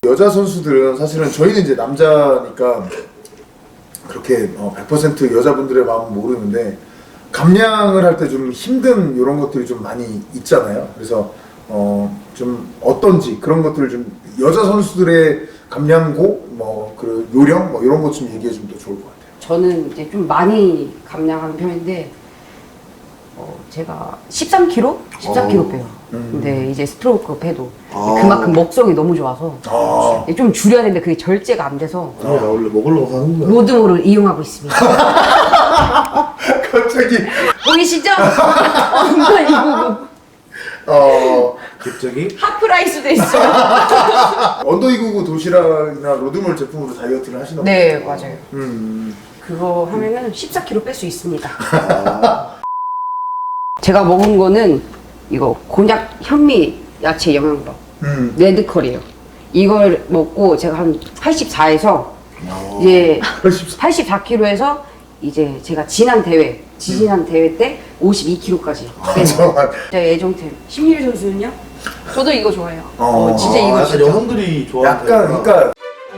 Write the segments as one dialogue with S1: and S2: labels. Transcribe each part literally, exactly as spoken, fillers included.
S1: 여자 선수들은 사실은 저희는 이제 남자니까 그렇게 어, 백 퍼센트 여자분들의 마음은 모르는데 감량을 할 때 좀 힘든 이런 것들이 좀 많이 있잖아요. 그래서 어, 좀 어떤지 그런 것들을 좀 여자 선수들의 감량고 뭐 그 요령 뭐 이런 것 좀 얘기해 주면 더 좋을 것 같아요.
S2: 저는 이제 좀 많이 감량하는 편인데 어, 제가 십삼 킬로그램? 십사 킬로그램 빼요.
S1: 음.
S2: 근데 이제 스트로크업 해도
S3: 아.
S2: 그만큼 먹성이 너무 좋아서
S1: 아,
S2: 좀 줄여야 되는데 그게 절제가 안 돼서
S3: 아, 나 원래 먹으려고 하는 거야.
S2: 로드몰을 이용하고 있습니다.
S1: 갑자기
S2: 보이시죠? 엉덩이 부분.
S1: 어
S3: 갑자기?
S2: 하프라이스도 있어요.
S1: 언더이구구 도시락이나 로드몰 제품으로 다이어트를 하시나
S2: 네,
S1: 보죠?
S2: 맞아요.
S1: 음.
S2: 그거 하면은 십사 킬로그램 뺄 수 있습니다.
S3: 아,
S2: 제가 먹은 거는 이거 곤약 현미 야채 영양밥
S1: 음.
S2: 레드컬이에요. 이걸 먹고 제가 한 팔십사에서
S1: 어.
S2: 이제
S1: 팔십사.
S2: 팔십사 킬로그램에서 이제 제가 지난 대회, 지지난 대회 때 오십이 킬로그램까지 뺀
S1: 잠깐만.
S2: 제 애정템. 심유리 선수는요?
S4: 저도 이거 좋아해요.
S1: 어,
S2: 진짜 이거
S3: 약간
S2: 진짜.
S3: 여성들이 좋아하는
S1: 약간
S3: 타입이구나.
S1: 그러니까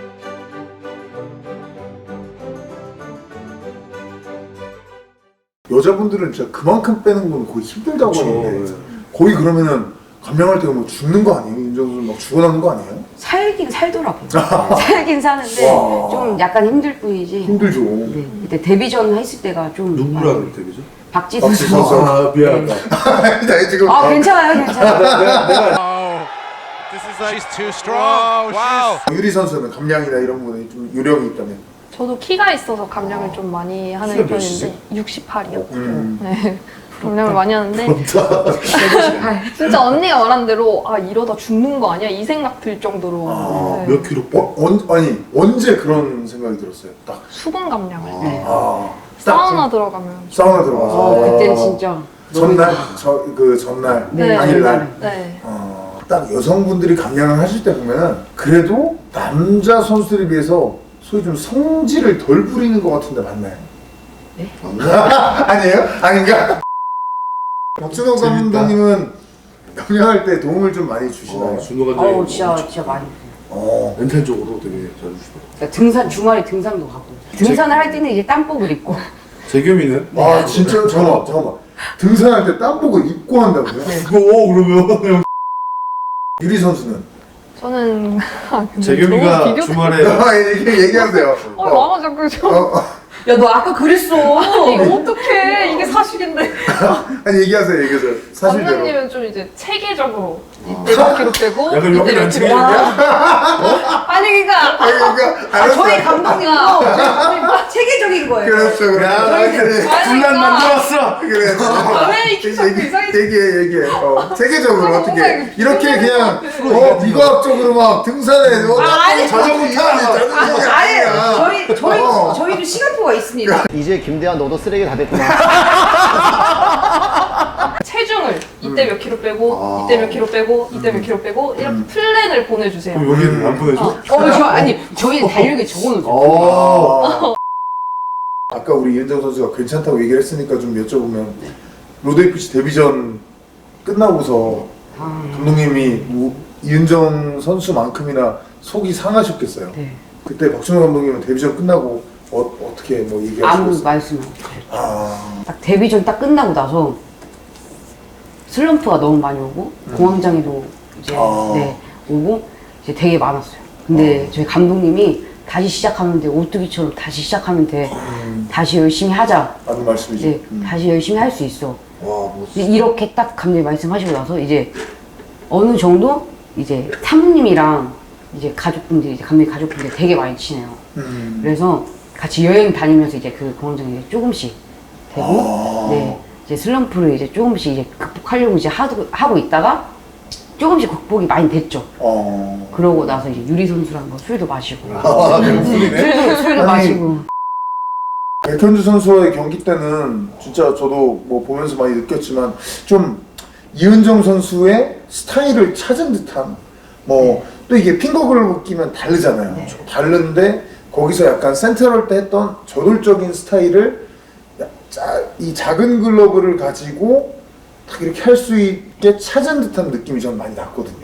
S1: 여자분들은 진짜 그만큼 빼는 건 거의 힘들다고
S3: 그쵸.
S1: 하는데 거의 그러면은 감량할 때 뭐 죽는 거 아니에요? 윤정수 막 죽어나는 거 아니에요?
S2: 살긴 살더라고요. 살긴 사는데
S1: 와.
S2: 좀 약간 힘들 뿐이지.
S1: 힘들죠.
S2: 네, 그때 데뷔전 했을 때가 좀
S3: 누구라
S2: 많이-
S3: 그럴 때 그죠?
S2: 박지수
S1: 박지수
S2: 선수.
S1: 선수.
S3: 아, 미안하다.
S1: 나 지금
S2: 아 괜찮아요, 괜찮아요.
S3: 내가, 내가
S5: This is like, she's too strong. Wow.
S1: 유리 선수는 감량이나 이런 부분에 좀 요령이 있다면.
S4: 저도 키가 있어서 감량을 좀 많이 하는
S3: 키가
S4: 편인데
S3: 몇이지?
S4: 육십팔이요.
S1: 음.
S4: 네. 감량을 많이 하는데
S2: 백오십팔.
S4: 진짜 언니가 말한 대로 아 이러다 죽는 거 아니야? 이 생각 들 정도로
S1: 아,
S4: 네.
S3: 몇 킬로 빼?
S1: 어, 언, 아니 언제 그런 생각이 들었어요? 딱.
S4: 수분 감량을 때
S1: 아, 딱
S4: 사우나 들어가면
S1: 사우나 들어가서.
S2: 어, 그땐 진짜 너무
S1: 전날, 저, 그 전날,
S4: 네.
S1: 당일날.
S4: 네.
S1: 어, 딱 여성분들이 감량을 하실 때 보면은 그래도 남자 선수들에 비해서 소위 좀 성질을 덜 부리는 것 같은데 맞나요? 아니에요? 아닌가? 박준호
S3: 재밌다.
S1: 감독님은 감량할 때 도움을 좀 많이 주시나요?
S3: 어, 준호가 되게
S2: 어우 진짜 진짜 많이.
S1: 어.
S3: 멘탈적으로 되게 잘 주시더라고.
S2: 그러니까 등산 주말에 등산도 가고 등산을 할 때는 이제 땀복을 입고
S3: 재겸이는?
S1: 아 진짜 잠깐만 잠깐만 등산할 때 땀복을 입고 한다고요?
S3: 오, 그러면
S1: 유리 선수는?
S4: 저는 아, 근데
S3: 재겸이가
S4: 너무 비교-
S3: 주말에
S1: 아, 얘기, 얘기하세요.
S4: 아 나만 자꾸 좀
S1: 어, 어.
S2: 야 너 아까 그랬어.
S4: 이거 어떡해 이게 사실인데
S1: 아니 얘기하세요 얘기하세요 사실대로.
S4: 원장님은 좀 이제 체계적으로 이때 몇 킬로 빼고
S3: 약간 여기는
S4: 이때
S3: 안
S4: 몇 킬로
S3: 챙기는데?
S2: 아니 그러니까
S1: 아니 그러니까
S2: 아,
S1: 알았어.
S2: 저희 감독님 어, 체계적인 거예요.
S1: 그렇죠 그렇죠.
S3: 야,
S1: 그래
S3: 분란 만들었어!
S1: 그래.
S4: 왜 이렇게 자꾸
S1: 얘기-
S4: 이상해져?
S1: 얘기해 얘기해. 어, 세계적으로
S4: 아,
S1: 어떻게
S4: 뭔가
S1: 이렇게 그냥
S4: 이거
S1: 어 미과학적으로 막 등산에 어,
S2: 아니,
S1: 자전거 타고 자전거
S2: 아니
S1: 아니야.
S2: 저희 저희
S1: 어.
S2: 저희도 시간표가 있습니다.
S6: 이제 김대한 너도 쓰레기 다 됐구나.
S4: 체중을 이때 몇 킬로 빼고
S3: 아.
S4: 이때 몇 킬로 빼고 이때 몇 킬로 빼고 이렇게 플랜을 보내주세요.
S3: 그럼 여기는 안 보내줘?
S4: 어.
S2: 어, 저 아니 저희는 달력에 적어놓죠.
S1: 어. 아까 우리 이은정 선수가 괜찮다고 얘기를 했으니까 좀 여쭤보면 로드에이피씨 데뷔전 끝나고서
S2: 아,
S1: 감독님이 우- 이은정 선수만큼이나 속이 상하셨겠어요.
S2: 네.
S1: 그때 박준호 감독님은 데뷔전 끝나고 어, 어떻게 뭐
S2: 아무
S1: 얘기하셨어요?
S2: 말씀 안 해요.
S1: 아,
S2: 딱 데뷔전 딱 끝나고 나서 슬럼프가 너무 많이 오고 공황장애도 이제
S1: 아.
S2: 네, 오고 이제 되게 많았어요. 근데 저희 감독님이 다시 시작하면 돼. 오뚜기처럼 다시 시작하면 돼.
S1: 음,
S2: 다시 열심히 하자.
S1: 맞는 말씀이죠.
S2: 이제
S1: 음.
S2: 다시 열심히 할 수 있어.
S3: 와, 뭐.
S2: 이제 이렇게 딱 감독님 말씀하시고 나서 이제 어느 정도 이제 사모님이랑 이제 가족분들이 이제 감독님 가족분들이 되게 많이 친해요.
S1: 음.
S2: 그래서 같이 여행 다니면서 이제 그 공황장애 이제 조금씩 되고,
S1: 아.
S2: 네 이제 슬럼프를 이제 조금씩 이제 극복하려고 이제 하도, 하고 있다가 조금씩 극복이 많이 됐죠.
S1: 어.
S2: 그러고 나서 이제 유리 선수랑 뭐 술도 마시고,
S1: 아, 술이네.
S2: 술도 술도
S1: 아니,
S2: 마시고.
S1: 백현주 선수와의 경기 때는 진짜 저도 뭐 보면서 많이 느꼈지만 좀 이은정 선수의 스타일을 찾은 듯한 뭐 또 이게 핑거글로 끼면 다르잖아요.
S2: 네.
S1: 다른데 거기서 약간 센트럴 때 했던 저돌적인 스타일을 야- 짜- 이 작은 글러브를 가지고 딱 이렇게 할 수 있게 찾은 듯한 느낌이 전 많이 났거든요.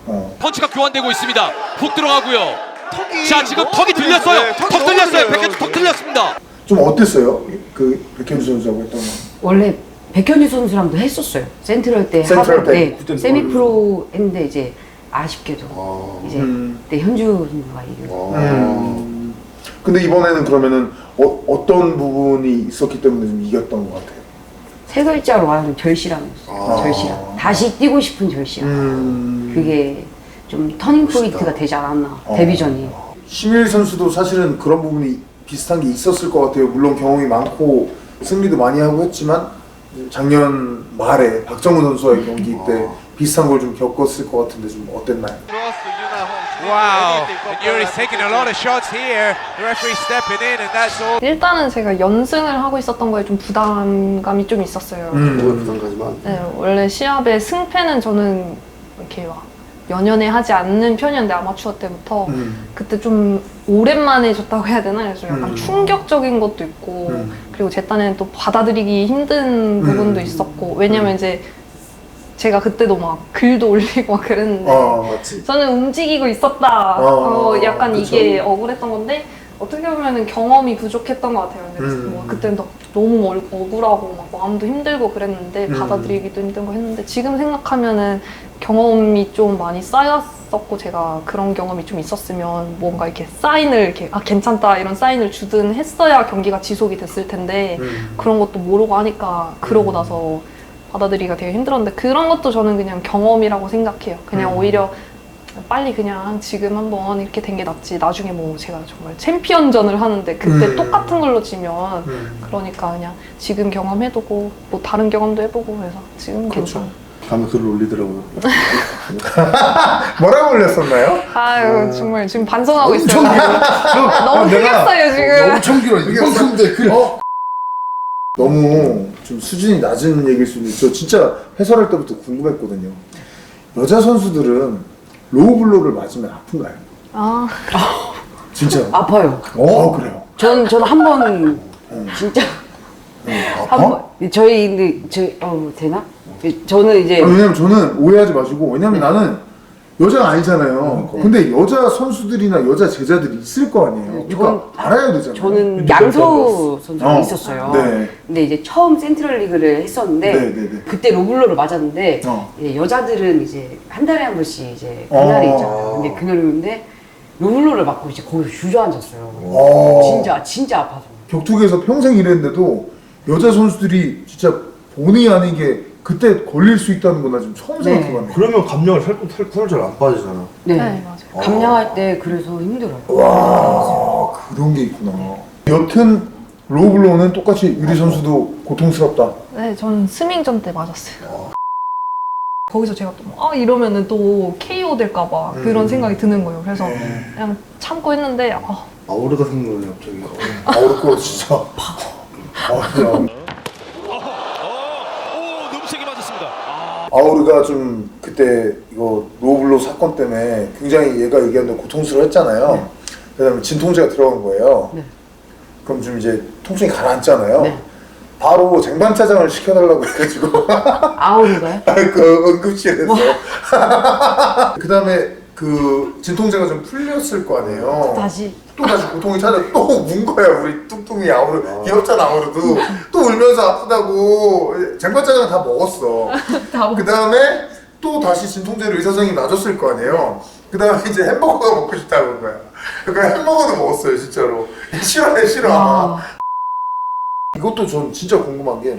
S1: 어.
S7: 펀치가 교환되고 있습니다. 훅 들어가고요.
S3: 턱이
S7: 자 지금
S3: 너무
S7: 턱이 들렸어요.
S3: 네, 턱이
S7: 턱
S3: 너무
S7: 들렸어요.
S3: 들려요,
S7: 백현주 턱
S3: 지금.
S7: 들렸습니다.
S1: 좀 어땠어요? 그 백현주 선수하고 했던 거.
S2: 원래 백현주 선수랑도 했었어요. 센트럴 때
S1: 센트럴
S2: 하고,
S1: 때?
S2: 네,
S3: 그때는
S2: 세미프로 했는데 이제 아쉽게도
S3: 아.
S2: 이제
S1: 음.
S2: 그때 현주 선수가 이겨.
S3: 아.
S1: 음. 근데 이번에는 그러면은 어, 어떤 부분이 있었기 때문에 좀 이겼던 것 같아요?
S2: 세 글자로 말하면 절실함이었어요.
S3: 아.
S2: 절실함. 다시 뛰고 싶은 절실함.
S1: 음.
S2: 그게 좀 터닝 포인트가 되지 않았나. 데뷔전이.
S1: 심일 선수도 사실은 그런 부분이 비슷한 게 있었을 것 같아요. 물론 경험이 많고 승리도 많이 하고 했지만 작년 말에 박정우 선수와의 경기 때 비슷한 걸 좀 겪었을 것 같은데 좀 어땠나요?
S5: Wow. And Yuri's taking a lot of shots here. The referee stepping in, and that's all.
S4: 일단은 제가 연승을 하고 있었던 거에 좀 부담감이 좀 있었어요.
S1: 음.
S3: 그거에 부담가지만.
S4: 네, 원래 시합의 승패는 저는 이렇게 막 연연해 하지 않는 편이었는데 아마추어 때부터
S1: 음.
S4: 그때 좀 오랜만에 졌다고 해야 되나? 그래서 약간
S1: 음.
S4: 충격적인 것도 있고
S1: 음.
S4: 그리고 제 딴에는 또 받아들이기 힘든 부분도 있었고 왜냐면 이제 제가 그때도 막 글도 올리고 막 그랬는데
S1: 어.
S3: 맞지.
S4: 저는 움직이고 있었다.
S1: 어,
S4: 어, 약간
S1: 그쵸.
S4: 이게 억울했던 건데 어떻게 보면 경험이 부족했던 것 같아요. 근데
S1: 음.
S4: 뭐 그때는 너- 너무 얼- 억울하고 막 마음도 힘들고 그랬는데
S1: 음.
S4: 받아들이기도 힘든 거 했는데 지금 생각하면은 경험이 좀 많이 쌓였었고 제가 그런 경험이 좀 있었으면 뭔가 이렇게 사인을 이렇게 아 괜찮다 이런 사인을 주든 했어야 경기가 지속이 됐을 텐데
S1: 음.
S4: 그런 것도 모르고 하니까 그러고 나서 받아들이기가 되게 힘들었는데 그런 것도 저는 그냥 경험이라고 생각해요. 그냥
S1: 음.
S4: 오히려 빨리 그냥 지금 한번 이렇게 된 게 낫지. 나중에 뭐 제가 정말 챔피언전을 하는데 그때
S1: 음.
S4: 똑같은 걸로 지면
S1: 음.
S4: 그러니까 그냥 지금 경험해두고 뭐 다른 경험도 해보고 그래서 지금
S1: 그렇죠.
S4: 괜찮아.
S3: 다음에 글을 올리더라고요.
S1: 뭐라고 올렸었나요?
S4: 아유 정말 지금 반성하고 있어요.
S1: 아,
S4: 너무
S1: 내가
S4: 크겠어요 지금.
S3: 엄청 길어. 이만큼인데 글.
S1: 어? 너무 좀 수준이 낮은 얘기일 수도 있죠. 진짜 해설할 때부터 궁금했거든요. 여자 선수들은 로우블로를 맞으면 아픈가요?
S4: 아
S1: 진짜?
S2: 아파요.
S1: 어 그래요.
S2: 전, 저는 한 번, 진짜,
S1: 아파?
S2: 한 번, 저희, 근데, 저, 어, 되나? 저는 이제,
S1: 아, 왜냐면 저는 오해하지 마시고 왜냐면 나는 여자가 아니잖아요. 근데 여자 선수들이나 여자 제자들이 있을 거 아니에요. 그러니까
S2: 저는-
S1: 알아야 되잖아요.
S2: 저는 양서우 선수가
S1: 어,
S2: 있었어요.
S1: 네.
S2: 근데 이제 처음 센트럴 리그를 했었는데,
S1: 네, 네, 네.
S2: 그때 로블로를 맞았는데,
S1: 어.
S2: 이제 여자들은 이제 한 달에 한 번씩 이제
S1: 어.
S2: 그날이 있잖아요. 근데 그날이었는데, 로블로를 맞고 이제 거기서 주저앉았어요.
S1: 어.
S2: 진짜, 진짜 아파서.
S1: 격투기에서 평생 일했는데도 여자 선수들이 진짜 본의 아니게 그때 걸릴 수 있다는 건 나 지금 처음
S2: 네.
S1: 생각해봤네.
S3: 그러면 감량을 살살 잘안 빠지잖아.
S2: 네.
S4: 네, 맞아요.
S2: 감량할 때 그래서 힘들어요.
S1: 와 그런 게 있구나. 여튼 로블로는 똑같이 유리 선수도 고통스럽다.
S4: 네, 저는 스밍전 때 맞았어요. 거기서 제가 또 아 이러면은 또 케이오 될까봐 그런 생각이 드는 거예요. 그래서 그냥 참고 했는데 아,
S3: 아우르가 생각나네 갑자기.
S1: 어렵고 진짜. 아, 그냥
S7: 오 너무 세게 맞았습니다.
S1: 아우르가 좀 그때 이거 로블로 사건 때문에 굉장히 얘가 얘기한 대로 고통스러워했잖아요.
S2: 네.
S1: 그다음에 진통제가 들어간 거예요.
S2: 네.
S1: 그럼 좀 이제 통증이 가라앉잖아요.
S2: 네.
S1: 바로 쟁반짜장을 시켜달라고 해가지고
S2: 아우르가요?
S1: 그 응급실에서 그 다음에 그 진통제가 좀 풀렸을 거 아니에요.
S2: 다시.
S1: 또 다시 고통이 찾아 또 운 거야 우리 뚱뚱이 아우르 귀엽잖아 아우르도 또 울면서 아프다고 쟁반짜장 다 먹었어. 그 다음에 또 다시 진통제를 의사 선생님이 놔줬을 거 아니에요. 그 다음에 이제 햄버거가 먹고 싶다고 한 거야. 그러니까 햄버거도 먹었어요 진짜로. 싫어해 싫어.
S2: 와.
S1: 이것도 전 진짜 궁금한 게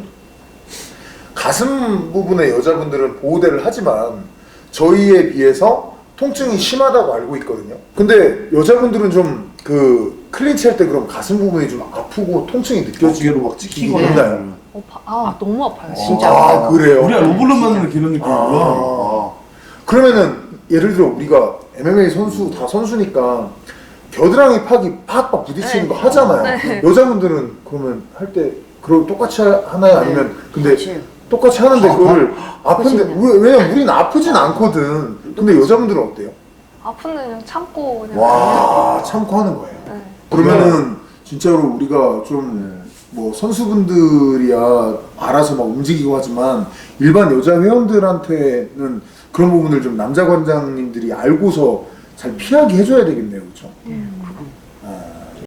S1: 가슴 부분에 여자분들은 보호대를 하지만 저희에 비해서 통증이 심하다고 알고 있거든요. 근데 여자분들은 좀 그 클린치 할 때 그럼 가슴 부분이 좀 아프고 통증이 느껴지기로
S3: 어깨로 막 찍히고
S1: 있나요?
S4: 어, 바- 아 너무 아파요.
S2: 진짜
S1: 아
S2: 아파요.
S1: 그래요?
S3: 우리가 로블로 맞는 이런 느낌이구나.
S1: 아. 그러면은 예를 들어 우리가 엠엠에이 선수 다 선수니까 겨드랑이 팍이 팍팍 부딪히는
S4: 네.
S1: 거 하잖아요.
S4: 네.
S1: 여자분들은 그러면 할 때 그걸 똑같이 하나요? 아니면 근데
S2: 똑같이 해요.
S1: 똑같이 하는데 그거를 아픈데
S2: 똑같이
S1: 왜, 왜냐면 우리는 아프진 않거든. 근데 여자분들은 어때요?
S4: 아픈데 그냥 참고 그냥.
S1: 와 참고 하는 거예요.
S4: 네.
S1: 그러면은 진짜로 우리가 좀 뭐 선수분들이야 알아서 막 움직이고 하지만 일반 여자 회원들한테는 그런 부분을 좀 남자 관장님들이 알고서 잘 피하게 해줘야 되겠네요, 그렇죠? 아.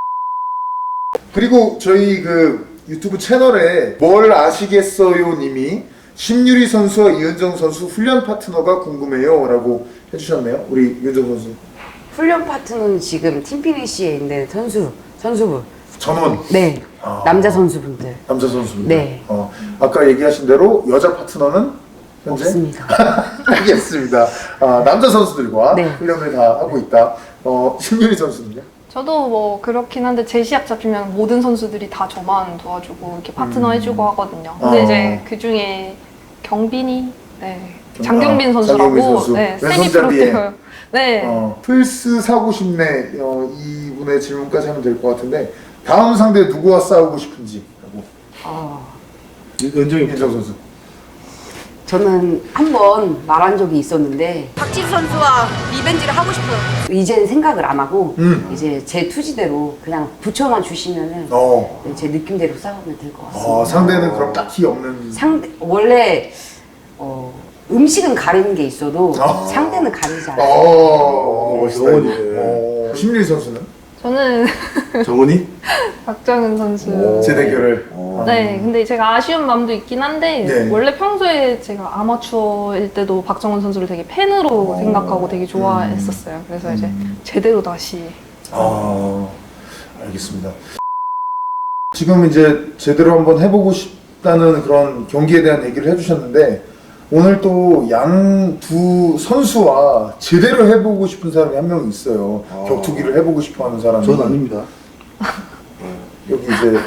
S1: 그리고 저희 그 유튜브 채널에 뭘 아시겠어요 님이 심유리 선수와 이은정 선수 훈련 파트너가 궁금해요 라고 해주셨네요. 우리 이은정 선수.
S2: 훈련 파트너는 지금 팀피니시에 있는 선수, 선수분.
S1: 전원.
S2: 네.
S1: 아.
S2: 남자 선수분들.
S1: 남자 선수입니다.
S2: 네.
S1: 어, 아까 얘기하신 대로 여자 파트너는 현재
S2: 없습니다.
S1: 알겠습니다. 아, 남자 선수들과
S2: 네.
S1: 훈련을 다 하고 있다. 어, 심유리 선수는요?
S4: 저도 뭐 그렇긴 한데 제 시합 잡히면 모든 선수들이 다 저만 도와주고 이렇게 파트너
S1: 음.
S4: 해주고 하거든요. 근데
S1: 아.
S4: 이제 그 중에 경빈이, 네,
S1: 경-
S4: 장경빈
S1: 아,
S4: 선수라고
S1: 장경빈 선수.
S4: 네, 세미
S1: 왼손잡이에.
S4: 프로 뛰어요. 네.
S1: 어, 플스 사고 싶네. 어, 이분의 질문까지 하면 될 것 같은데 다음 상대 누구와 싸우고 싶은지 라고.
S2: 어,
S3: 은정이
S1: 이은정 선수.
S2: 저는 한 번 말한 적이 있었는데 박지수 선수와 리벤지를 하고 싶어요. 이제는 생각을 안 하고
S1: 음.
S2: 이제 제 투지대로 그냥 붙여만 주시면은
S1: 어.
S2: 네, 제 느낌대로 싸우면 될 것 같습니다.
S1: 어, 상대는 그럼 딱히 없는.
S2: 상대 원래 어, 음식은 가리는 게 있어도
S1: 아.
S2: 상대는 가리지 않아요.
S1: 어, 멋있다.
S3: 영원히.
S1: 어, 심유리 선수는
S4: 저는
S3: 정원이?
S4: 박정은 선수.
S3: 오.
S1: 제 대결을.
S3: 어.
S4: 네, 근데 제가 아쉬운 마음도 있긴 한데
S1: 네.
S4: 원래 평소에 제가 아마추어일 때도 박정은 선수를 되게 팬으로 생각하고 되게 좋아했었어요. 그래서 이제 제대로 다시
S1: 아, 알겠습니다. 지금 이제 제대로 한번 해보고 싶다는 그런 경기에 대한 얘기를 해주셨는데 오늘 또 양 두 선수와 제대로 해보고 싶은 사람이 한 명 있어요.
S3: 아.
S1: 격투기를 해보고 싶어하는 사람이.
S3: 전 아닙니다.
S1: 여기 이제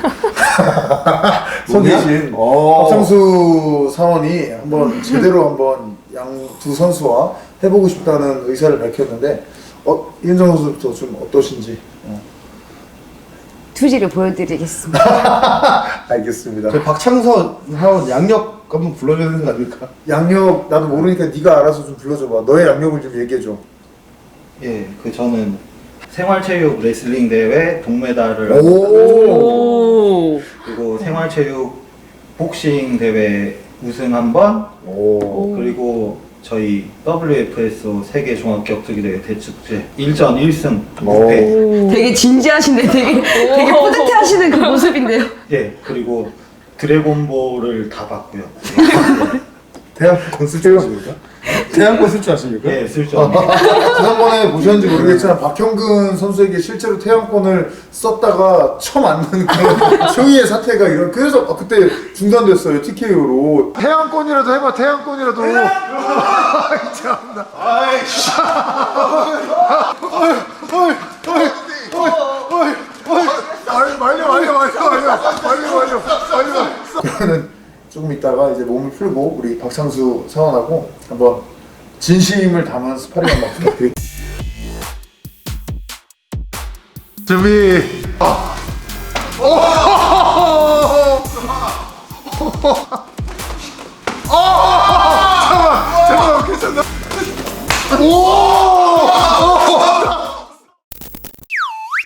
S1: 서 계신
S3: 어.
S1: 박상수 사원이 한번 제대로 한번 양 두 선수와 해보고 싶다는 의사를 밝혔는데 어, 이은정 선수부터 좀 어떠신지. 어.
S2: 투지를 보여드리겠습니다.
S1: 알겠습니다.
S3: 저 박창선 사원 양력 한번 불러줘야 되는 거 아닙니까?
S1: 양력 나도 모르니까 네가 알아서 좀 불러줘봐. 너의 양력을 좀 얘기해줘.
S8: 예, 그 저는 생활체육 레슬링 대회 동메달을
S1: 오.
S8: 그리고 생활체육 복싱 대회 우승 한 번,
S1: 오.
S8: 그리고 저희 더블유에프에스 세계 종합격투기 대회 대축제 일 전 일 승
S1: 오.
S8: 육 패.
S2: 되게 진지하신데 되게 되게 뿌듯해하시는 그 모습인데요.
S8: 예, 그리고 드래곤볼을 다 봤고요.
S3: 대학권 쓸줄 아십니까? 대학권 쓸줄 아십니까?
S8: 예, 쓸줄 압니다.
S1: 지난번에 보셨는지 모르겠지만 박형근 선수에게 실제로 태양권을 썼다가 처음 맞는 그런 초유의 사태가 이런 그래서 아, 그때 중단됐어요. 티케이오로. 태양권이라도 해봐. 태양권이라도. 참나. 아이씨. 말려 말려 말려 말려 말려 말려 말려 말려. 그러면은 조금 있다가 이제 몸을 풀고 우리 박상수 사원하고 한번 진심을 담은 스파링 한번 부탁드릴게요. 준비. 아. 오! 아! 잠깐만, 잠깐만, 괜찮나? 오!